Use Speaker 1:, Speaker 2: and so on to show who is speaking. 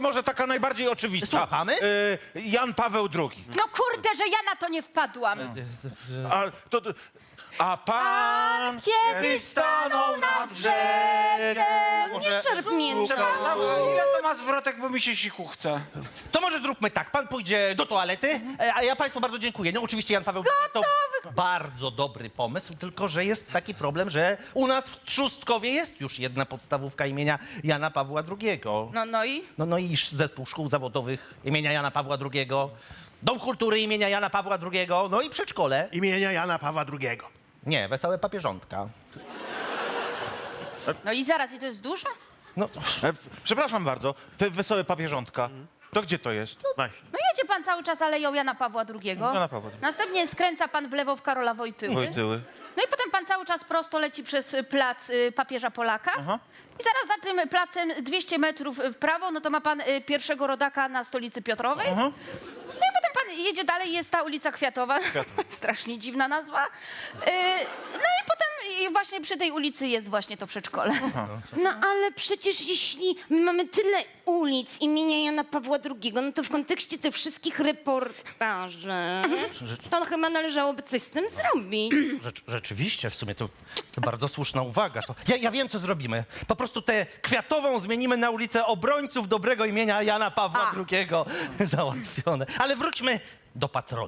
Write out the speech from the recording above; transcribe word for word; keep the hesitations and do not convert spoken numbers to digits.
Speaker 1: może taka najbardziej oczywista.
Speaker 2: Słuchamy?
Speaker 1: Y, Jan Paweł drugi.
Speaker 3: No kurde, że ja na to nie wpadłam.
Speaker 1: A, to, to, a pan
Speaker 3: Kiedy stanął nad brzegiem. Nie czerp mięsa.
Speaker 4: Przepraszam, ile to ma zwrotek, bo mi się siku chce.
Speaker 2: To może zróbmy tak, pan pójdzie do toalety, e, a ja państwu bardzo dziękuję. No oczywiście Jan Paweł to bardzo dobry pomysł, tylko że jest taki problem, że u nas w Trzustkowie jest już jedna podstawówka imienia Jana Pawła drugiego.
Speaker 3: No, no i?
Speaker 2: No, no i zespół szkół zawodowych imienia Jana Pawła drugiego, Dom Kultury imienia Jana Pawła drugiego, no i przedszkole.
Speaker 5: Imienia Jana Pawła drugiego.
Speaker 2: Nie, Wesołe Papieżątka.
Speaker 3: No i zaraz, i to jest dużo?
Speaker 2: No,
Speaker 1: E, przepraszam bardzo, te wesołe papieżątka, to gdzie to jest?
Speaker 5: Właśnie.
Speaker 3: No jedzie pan cały czas aleją Jana Pawła drugiego.
Speaker 1: Jana Pawła drugiego.
Speaker 3: Następnie skręca pan w lewo w Karola Wojtyły.
Speaker 1: Wojtyły.
Speaker 3: No i potem pan cały czas prosto leci przez y, plac y, papieża Polaka.
Speaker 1: Aha.
Speaker 3: I zaraz za tym placem dwieście metrów w prawo, no to ma pan y, pierwszego rodaka na stolicy Piotrowej.
Speaker 1: Aha.
Speaker 3: No i potem pan jedzie dalej, jest ta ulica Kwiatowa. Strasznie dziwna nazwa. Y, no i potem i właśnie przy tej ulicy jest właśnie to przedszkole.
Speaker 6: No ale przecież jeśli mamy tyle ulic imienia Jana Pawła drugiego, no to w kontekście tych wszystkich reportaży, to chyba należałoby coś z tym zrobić.
Speaker 2: rzecz, rzeczywiście, w sumie to, to bardzo słuszna uwaga. To ja, ja wiem, co zrobimy. Po prostu tę Kwiatową zmienimy na ulicę Obrońców dobrego imienia Jana Pawła
Speaker 3: A.
Speaker 2: drugiego. Załatwione. Ale wróćmy do patrona.